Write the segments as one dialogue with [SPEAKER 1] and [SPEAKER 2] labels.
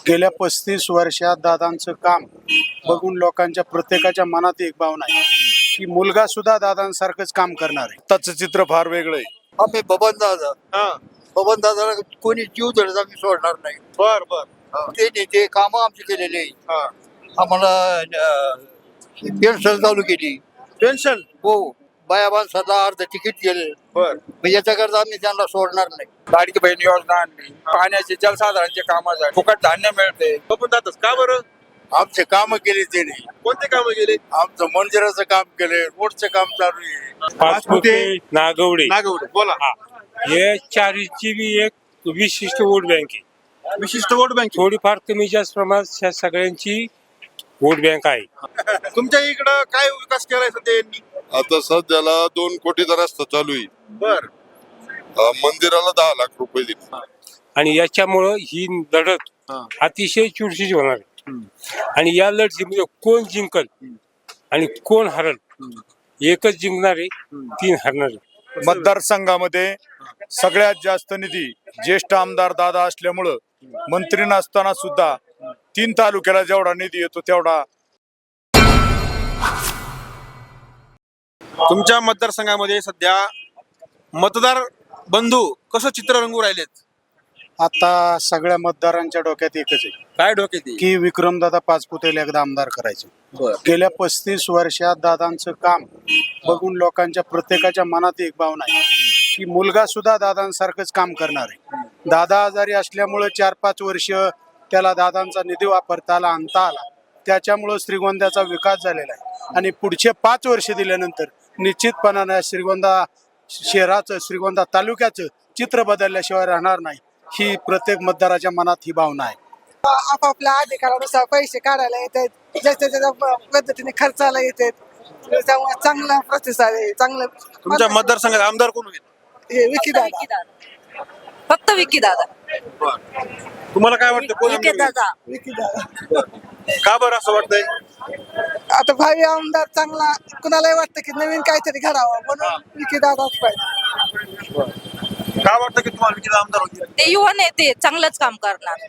[SPEAKER 1] गेल्या 35 वर्षात दादांचं काम बघून लोकांच्या प्रत्येकाच्या मनात एक भावना आहे की मुलगा सुद्धा दादांसारखंच काम करणार आहे. त्याचं चित्र फार वेगळं आहे.
[SPEAKER 2] आम्ही बबन दादाला कोणी जीव धरत आम्ही सोडणार नाही.
[SPEAKER 3] बर बर
[SPEAKER 2] ते काम आमची केलेली आहे. आम्हाला पेन्शन चालू केली.
[SPEAKER 3] पेन्शन
[SPEAKER 2] हो, बाया माणसाला अर्ध तिकीट गेले.
[SPEAKER 3] बर
[SPEAKER 2] याच्याकरता आम्ही त्यांना सोडणार नाही.
[SPEAKER 4] लाडकी बहीण योजना आणली, पाण्याचे जलसाधारणचे कामासाठी फुकट धान्य मिळते.
[SPEAKER 3] बघून जातच का बरं?
[SPEAKER 2] आमचे काम केले त्यांनी.
[SPEAKER 3] कोणते कामं गेले?
[SPEAKER 2] आमचं मंदिराचं काम केले, रोडचं काम चालू आहे.
[SPEAKER 5] पाचपुते नागवडे
[SPEAKER 3] नागवडे बोला.
[SPEAKER 5] हे चारीची बी एक विशिष्ट वोट बँक आहे.
[SPEAKER 3] विशिष्ट वोट बँक.
[SPEAKER 5] थोडीफार कमी जास्त प्रमाणात ह्या सगळ्यांची वोट बँक आहे.
[SPEAKER 3] तुमच्या इकडं काय विकास केलाय सध्या यांनी?
[SPEAKER 6] आता सध्याला 2 कोटीचा रस्ता चालू आहे.
[SPEAKER 3] बर
[SPEAKER 6] मंदिराला 10 लाख रुपये दिले.
[SPEAKER 5] आणि याच्यामुळं ही लढत अतिशय चुरशीची होणार आहे. आणि या लढतीमध्ये कोण जिंकल आणि कोण हरल, एकच जिंकणार आहे, 3 हरणार आहे.
[SPEAKER 1] मतदारसंघामध्ये सगळ्यात जास्त निधी ज्येष्ठ आमदार दादा असल्यामुळं मंत्री नसताना सुद्धा 3 तालुक्याला जेवढा निधी येतो तेवढा
[SPEAKER 3] तुमच्या मतदारसंघामध्ये सध्या मतदार बंधू कसं चित्र रंगू राहिलेत?
[SPEAKER 1] आता सगळ्या मतदारांच्या डोक्यात एकच आहे
[SPEAKER 3] काय डोक्यात येईल?
[SPEAKER 1] की विक्रमदादा पाचपुतेला एकदा आमदार करायचं.
[SPEAKER 3] बर
[SPEAKER 1] गेल्या 35 वर्षात दादांचं काम बघून लोकांच्या प्रत्येकाच्या मनात एक भावना आहे की मुलगा सुद्धा दादांसारखंच काम करणार आहे. दादा आजारी असल्यामुळं 4-5 वर्ष त्याला दादांचा निधी वापरता आला, आणता आला. त्याच्यामुळं श्रीगोंद्याचा विकास झालेला आहे. आणि पुढचे 5 वर्ष दिल्यानंतर निश्चितपणाने श्रीगोंदा शहराचं, श्रीगोंदा तालुक्याचं चित्र बदलल्याशिवाय राहणार नाही. ही प्रत्येक मतदाराच्या मनात ही भावना आहे.
[SPEAKER 7] आपापल्या अधिकारानुसार पैसे काढायला येतात, ज्याच्या त्याच्या पद्धतीने खर्चाला येतात. त्यामुळे चांगला प्रतिसाद आहे. चांगलं
[SPEAKER 3] तुमच्या मतदारसंघात आमदार कोण होईल?
[SPEAKER 7] हे विकी दादा.
[SPEAKER 8] फक्त विकी दादा.
[SPEAKER 3] तुम्हाला काय वाटतं कोण
[SPEAKER 8] विकी
[SPEAKER 3] आमदार
[SPEAKER 8] दादा.
[SPEAKER 7] विकी दादा.
[SPEAKER 3] होईल? का बरं असं वाटतंय?
[SPEAKER 7] आता भावी आमदार चांगला, कुणालाही वाटतं की नवीन काहीतरी घडावं म्हणून विकी दादाच पाहिजे.
[SPEAKER 3] काय वाटतं की तुम्हाला विकी आमदार होतील?
[SPEAKER 8] ते युवा नेते चांगलंच काम करणार.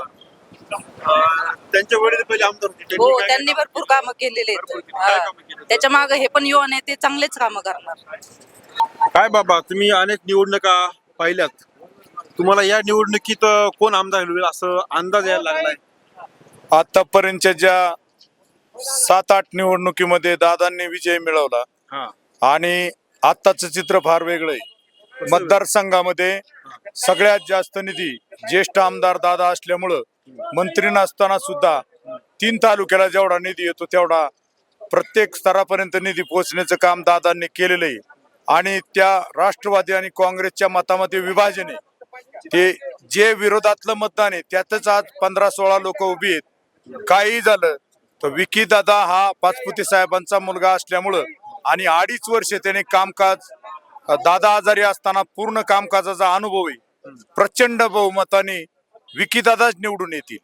[SPEAKER 3] त्यांच्या वडील पहिले आमदार होते.
[SPEAKER 8] हो,
[SPEAKER 3] काय
[SPEAKER 8] त्यांनी भरपूर कामं केलेले
[SPEAKER 3] भरपूर
[SPEAKER 8] आहेत.
[SPEAKER 3] केली. काय कामं केली?
[SPEAKER 8] त्याच्या मागे हे पण युवा नेते चांगलेच कामं करणार.
[SPEAKER 3] काय बाबा, तुम्ही अनेक निवडणुका पाहिल्यात, तुम्हाला या निवडणुकीत कोण आमदार होईल असं अंदाज यायला लागलाय?
[SPEAKER 1] आतापर्यंतच्या ज्या 7-8 निवडणुकीमध्ये दादांनी विजय मिळवला आणि आत्ताचं चित्र फार वेगळं आहे. मतदारसंघामध्ये सगळ्यात जास्त निधी ज्येष्ठ आमदार दादा असल्यामुळं मंत्री नसताना सुद्धा 3 तालुक्याला जेवढा निधी येतो तेवढा प्रत्येक स्तरापर्यंत निधी पोहोचण्याचं काम दादांनी केलेलं आहे. आणि त्या राष्ट्रवादी आणि काँग्रेसच्या मतामध्ये विभाजन आहे. ते जे विरोधातलं मतदान आहे त्यातच आज 15-16 लोक उभी आहेत. काही झालं तर विकी दादा हा पाचपुते साहेबांचा मुलगा असल्यामुळं आणि 2.5 वर्ष त्याने कामकाज, दादा आजारी असताना पूर्ण कामकाजाचा अनुभव आहे. प्रचंड बहुमताने विकी दादाच निवडून येतील.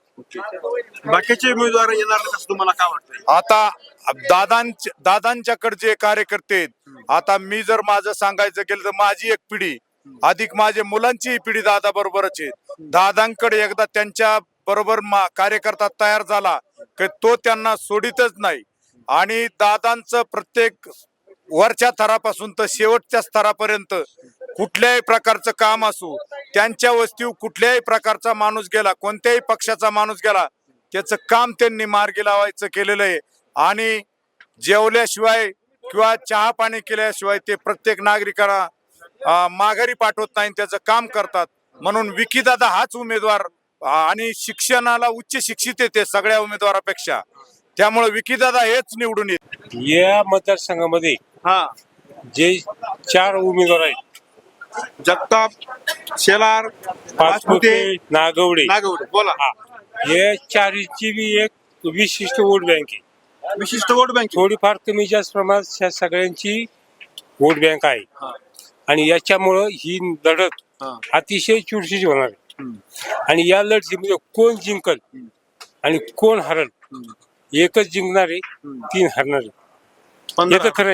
[SPEAKER 3] बाकीचे उमेदवार येणार नाही असं तुम्हाला काय वाटतंय?
[SPEAKER 1] आता दादांच्याकडे जे कार्यकर्ते आहेत, आता मी जर माझं सांगायचं गेलं तर माझी एक पिढी अधिक माझे मुलांची पिढी दादा बरोबरच आहे. दादांकडे एकदा त्यांच्या बरोबर कार्यकर्ता तयार झाला की तो त्यांना सोडितच नाही. आणि दादांचं प्रत्येक वरच्या थरापासून तर शेवटच्या स्तरापर्यंत कुठल्याही प्रकारचं काम असो, त्यांच्या वस्तीवर कुठल्याही प्रकारचा माणूस गेला, कोणत्याही पक्षाचा माणूस गेला, त्याचं काम त्यांनी मार्गी लावायचं केलेलं आहे. आणि जेवल्याशिवाय किंवा चहा पाणी केल्याशिवाय ते प्रत्येक नागरिकाला माघारी पाठवत नाही, त्याचं काम करतात. म्हणून विकी दादा हाच उमेदवार, आणि शिक्षणाला उच्च शिक्षित येते सगळ्या उमेदवारापेक्षा. त्यामुळे विकी दादा हेच निवडून येते.
[SPEAKER 5] या मतदारसंघामध्ये जे 4 उमेदवार आहेत,
[SPEAKER 3] जगताप, शेलार,
[SPEAKER 5] पाचपुते नागवडे
[SPEAKER 3] नागवडे बोला.
[SPEAKER 5] हे चारीची बी एक विशिष्ट वोट बँक आहे.
[SPEAKER 3] विशिष्ट वोट बँक.
[SPEAKER 5] थोडीफार कमी जास्त प्रमाणात ह्या सगळ्यांची वोट बँक आहे. आणि याच्यामुळं ही लढत अतिशय चुरशीची होणार आहे. आणि या लढतीमध्ये कोण जिंकल आणि कोण हरल, एकच जिंकणार आहे, 3 हरणार आहे.
[SPEAKER 3] 15
[SPEAKER 5] खरं आहे.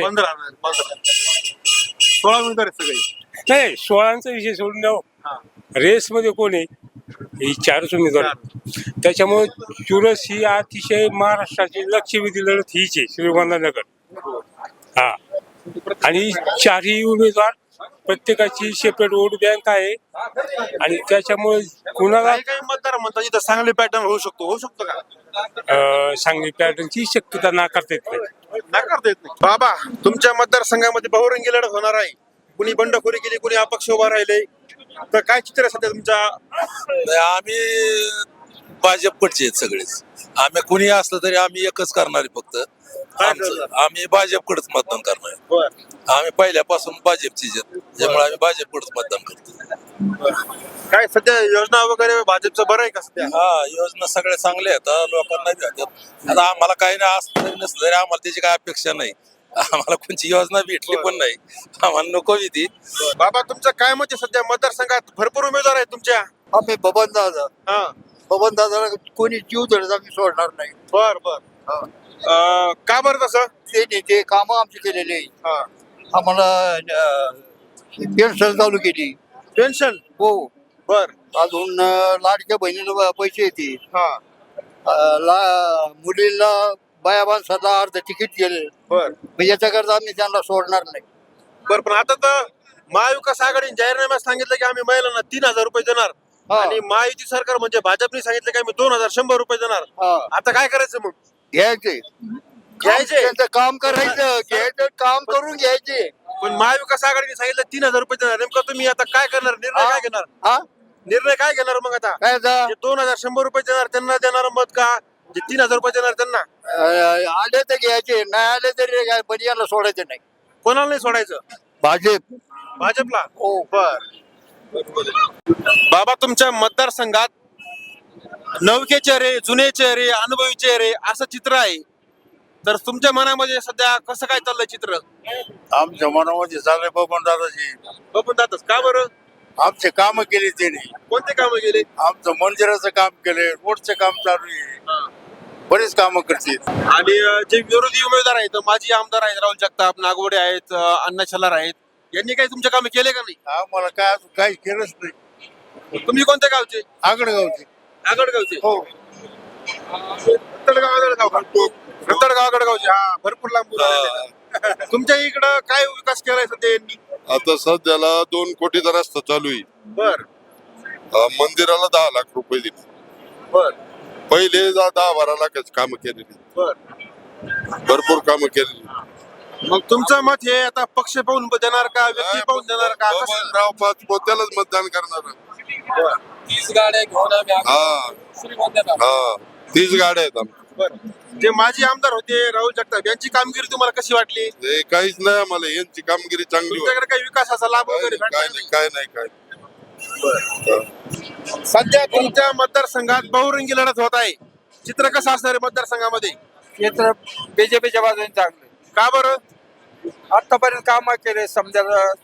[SPEAKER 3] 16 उमेदवार आहेत सगळे.
[SPEAKER 5] नाही, 16चा विषय सोडून द्या. रेस मध्ये कोण आहे? ही चारच उमेदवार. त्याच्यामुळे चुरस ही अतिशय महाराष्ट्राची लक्षवेधी लढत हीच आहे, श्रीगोंदानगर. हा, आणि चारही उमेदवार प्रत्येकाची सेपरेट वोट बँक आहे आणि त्याच्यामुळे कुणाला
[SPEAKER 3] काही काही मतदार म्हणतात इथं चांगले पॅटर्न होऊ शकतो का?
[SPEAKER 5] सांगली पॅटर्नची शक्यता नाकारता येत नाही.
[SPEAKER 3] नाकारता येत नाही. बाबा, तुमच्या मतदारसंघामध्ये बहुरंगी लढत होणार आहे. कुणी बंडखोरी केली, कुणी अपक्ष उभा राहिले, तर काय चित्र आहे सध्या तुमच्या?
[SPEAKER 9] आम्ही भाजपकडचे आहेत सगळेच. आम्ही कुणी असलं तरी आम्ही एकच करणार आहे फक्त. आम्ही भाजपकडेच मतदान करणार आहे.
[SPEAKER 3] बरं.
[SPEAKER 9] आम्ही पहिल्यापासून भाजपचीच आहेत, त्यामुळे आम्ही भाजपकडेच मतदान करतो.
[SPEAKER 3] काय सध्या योजना वगैरे भाजपचं बरं आहे का सध्या?
[SPEAKER 9] हा, योजना सगळ्या चांगल्या आहेत, लोकांना भेटतात. आता आम्हाला काही नाही असलं तरी नसलं तरी आम्हाला त्याची काय अपेक्षा नाही. आम्हाला कोणची योजना भेटली पण नाही, आम्हाला नको ती.
[SPEAKER 3] बाबा, तुमचं काय मत आहे सध्या? मतदारसंघात भरपूर उमेदवार आहेत तुमच्या.
[SPEAKER 2] आम्ही बबन दादा कोणी जीव धरत आम्ही सोडणार नाही.
[SPEAKER 3] बर बर. का बरं तसं?
[SPEAKER 2] ते काम आमची केलेली आहे. आम्हाला पेन्शन चालू केली.
[SPEAKER 3] पेन्शन?
[SPEAKER 2] हो.
[SPEAKER 3] बर.
[SPEAKER 2] अजून लाडक्या बहिणीला पैसे येते.
[SPEAKER 3] हा.
[SPEAKER 2] मुलीला बाया माणसाला अर्ध तिकीट गेले.
[SPEAKER 3] बर.
[SPEAKER 2] याच्याकरता आम्ही त्यांना सोडणार नाही.
[SPEAKER 3] बर, पण आता तर महाविकास आघाडीने जाहीरनाम्यात सांगितलं की आम्ही महिलांना 3,000 रुपये देणार
[SPEAKER 2] हा.
[SPEAKER 3] आणि महायुती सरकार म्हणजे भाजपने सांगितलं की आम्ही 2,100 रुपये देणार.
[SPEAKER 2] हा.
[SPEAKER 3] आता काय करायचं मग?
[SPEAKER 2] घ्यायचे त्यांचं काम करायचं, घ्यायचं काम करून घ्यायचे.
[SPEAKER 3] पण महाविकास आघाडीने सांगितलं 3,000 रुपये देणार. नेमकं तुम्ही आता काय करणार? निर्णय काय घेणार?
[SPEAKER 2] हा
[SPEAKER 3] निर्णय काय घेणार मग आता?
[SPEAKER 2] काय आता?
[SPEAKER 3] जे 2,100 रुपये देणार त्यांना देणार मत का? जे 3,000 रुपये देणार त्यांना?
[SPEAKER 2] आले तर घ्यायचे, नाही आले तरी काय, पण याला सोडायचं नाही.
[SPEAKER 3] कोणाला नाही सोडायचं?
[SPEAKER 2] भाजप.
[SPEAKER 3] भाजपला?
[SPEAKER 2] हो.
[SPEAKER 3] बर. बाबा, तुमच्या मतदारसंघात नवखे चेहरे, जुने चेहरे, अनुभवी चेहरे असं चित्र आहे, तर तुमच्या मनामध्ये सध्या कसं काय चाललंय चित्र?
[SPEAKER 1] आमच्या मनामध्ये चाललंय बबन दादाजी.
[SPEAKER 3] बघून जातच का बरं?
[SPEAKER 1] आमचे काम केले त्यांनी.
[SPEAKER 3] कोणते कामं गेले?
[SPEAKER 1] आमचं मंदिराचं काम केले, रोडचं काम चालू आहे, बरेच कामं करतील.
[SPEAKER 3] आणि जे विरोधी उमेदवार आहेत, माजी आमदार आहेत, राहुल जगताप, नागवडे आहेत, अण्णा छलार आहेत, यांनी काही तुमच्या कामे केले का नाही?
[SPEAKER 1] आम्हाला काय अजून काही केलंच नाही.
[SPEAKER 3] तुम्ही कोणत्या गावचे?
[SPEAKER 1] आगडगावचे.
[SPEAKER 3] आगडगावचे?
[SPEAKER 1] हो.
[SPEAKER 3] आगडगावचे. हा, भरपूर लांबून आलेले आहेत. तुमच्या इकडं काय विकास केलाय सध्या यांनी?
[SPEAKER 6] आता सध्याला 2 कोटीचा रस्ता चालू आहे.
[SPEAKER 3] बर
[SPEAKER 6] मंदिराला 10 लाख रुपये दिले.
[SPEAKER 3] बर
[SPEAKER 6] पहिले 10-12 लाखाची कामं केलेली,
[SPEAKER 3] बर.
[SPEAKER 6] भरपूर कामं केलेली.
[SPEAKER 3] मग तुमचं मत हे आता पक्ष पाहून देणार का, व्यक्ती पाहून देणार का? कसं?
[SPEAKER 6] बबनराव पाचपुते त्यालाच मतदान करणार.
[SPEAKER 9] 30 गाड्या घेऊन आम्ही
[SPEAKER 6] हा 30 गाड्या आहेत आमच्या.
[SPEAKER 3] बरं. जे माजी आमदार होते राहुल जगताप, यांची कामगिरी तुम्हाला कशी वाटली?
[SPEAKER 6] हे काहीच नाही, आम्हाला यांची कामगिरी चांगली होती.
[SPEAKER 3] तुमच्याकडे काही विकासाचा लाभ वगैरे भेटला
[SPEAKER 6] काय
[SPEAKER 3] का
[SPEAKER 6] नाही, काय नाही, काय
[SPEAKER 3] नाही? सध्या तुमच्या मतदारसंघात बहुरंगी लढत होत आहे. चित्र कसं असणार आहे मतदारसंघामध्ये?
[SPEAKER 4] क्षेत्र बीजेपीच्या बाजूने चांगलं.
[SPEAKER 3] का बरं?
[SPEAKER 4] आतापर्यंत काम केले, समजा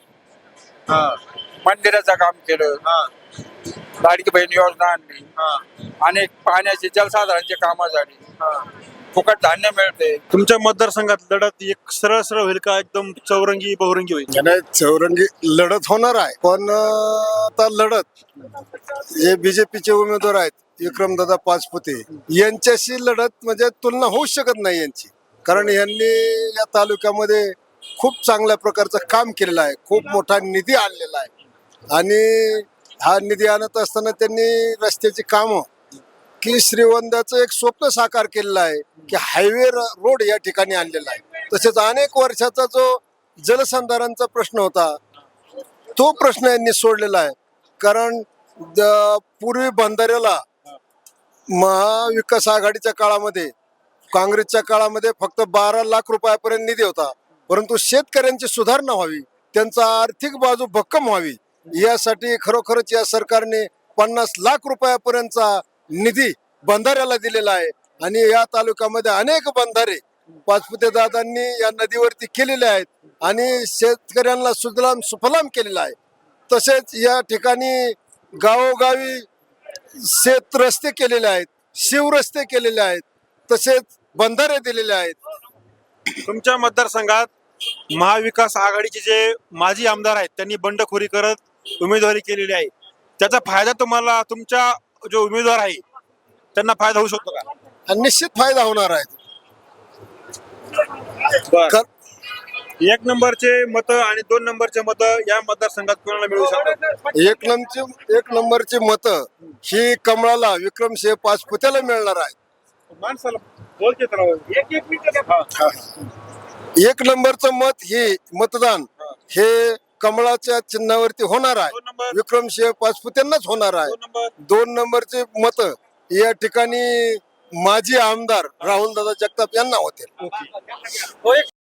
[SPEAKER 4] मंदिराचं काम केलं, लाडकी बहीण योजना आणली, अनेक पाण्याची जलसाधारणची कामं झाली, फुकट धान्य मिळते.
[SPEAKER 3] तुमच्या मतदारसंघात लढत एक सरळ सरळ होईल का एकदम चौरंगी बहुरंगी होईल?
[SPEAKER 10] चौरंगी लढत होणार आहे, पण आता लढत जे बीजेपीचे उमेदवार आहेत विक्रमदादा पाचपुते यांच्याशी लढत म्हणजे तुलना होऊ शकत नाही यांची. कारण यांनी या तालुक्यामध्ये खूप चांगल्या प्रकारचं काम केलेलं आहे, खूप मोठा निधी आणलेला आहे आणि हा निधी आणत असताना त्यांनी रस्त्याची कामं की श्रीगोंद्याचं एक स्वप्न साकार केलेलं आहे की हायवे रोड या ठिकाणी आणलेला आहे. तसेच अनेक वर्षाचा जो जलसंधारणचा प्रश्न होता तो प्रश्न यांनी सोडलेला आहे. कारण पूर्वी बंधाऱ्याला महाविकास आघाडीच्या काळामध्ये, काँग्रेसच्या काळामध्ये फक्त 12 लाख रुपयापर्यंत निधी होता, परंतु शेतकऱ्यांची सुधारणा व्हावी, त्यांचा आर्थिक बाजू भक्कम व्हावी यासाठी खरोखरच या सरकारने 50 लाख रुपयापर्यंतचा निधी बंधाऱ्याला दिलेला आहे. आणि या तालुक्यामध्ये अनेक बंधारे पाचपुते दादांनी या नदीवरती केलेले आहेत आणि शेतकऱ्यांना सुजलाम सुफलाम केलेला आहे. तसेच या ठिकाणी गावोगावी शेत रस्ते केलेले आहेत, शिवरस्ते केलेले आहेत, तसेच बंधारे दिलेले आहेत.
[SPEAKER 3] तुमच्या मतदारसंघात महाविकास आघाडीचे जे माजी आमदार आहेत त्यांनी बंडखोरी करत उमेदवारी केलेली आहे, त्याचा फायदा तुम्हाला तुमच्या जो उमेदवार आहे त्यांना फायदा होऊ शकतो का?
[SPEAKER 10] आणि निश्चित फायदा होणार आहे.
[SPEAKER 3] बर. एक नंबरचे मत आणि 2 नंबरचे मत या मतदारसंघात कोणाला मिळू शकतात?
[SPEAKER 10] एक नंबरची मत ही कमळाला विक्रमसिंह पाचपुत्याला मिळणार आहे.
[SPEAKER 3] माणसाला बोलते
[SPEAKER 10] एक नंबरचं मत हे मतदान हे कमळाच्या चिन्हावरती होणार आहे.
[SPEAKER 3] 2 नंबर
[SPEAKER 10] विक्रमसिंह पाचपुत्यांनाच होणार आहे.
[SPEAKER 3] 2 नंबर
[SPEAKER 10] 2 नंबरचे मत या ठिकाणी माजी आमदार राहुलदादा जगताप यांना होते.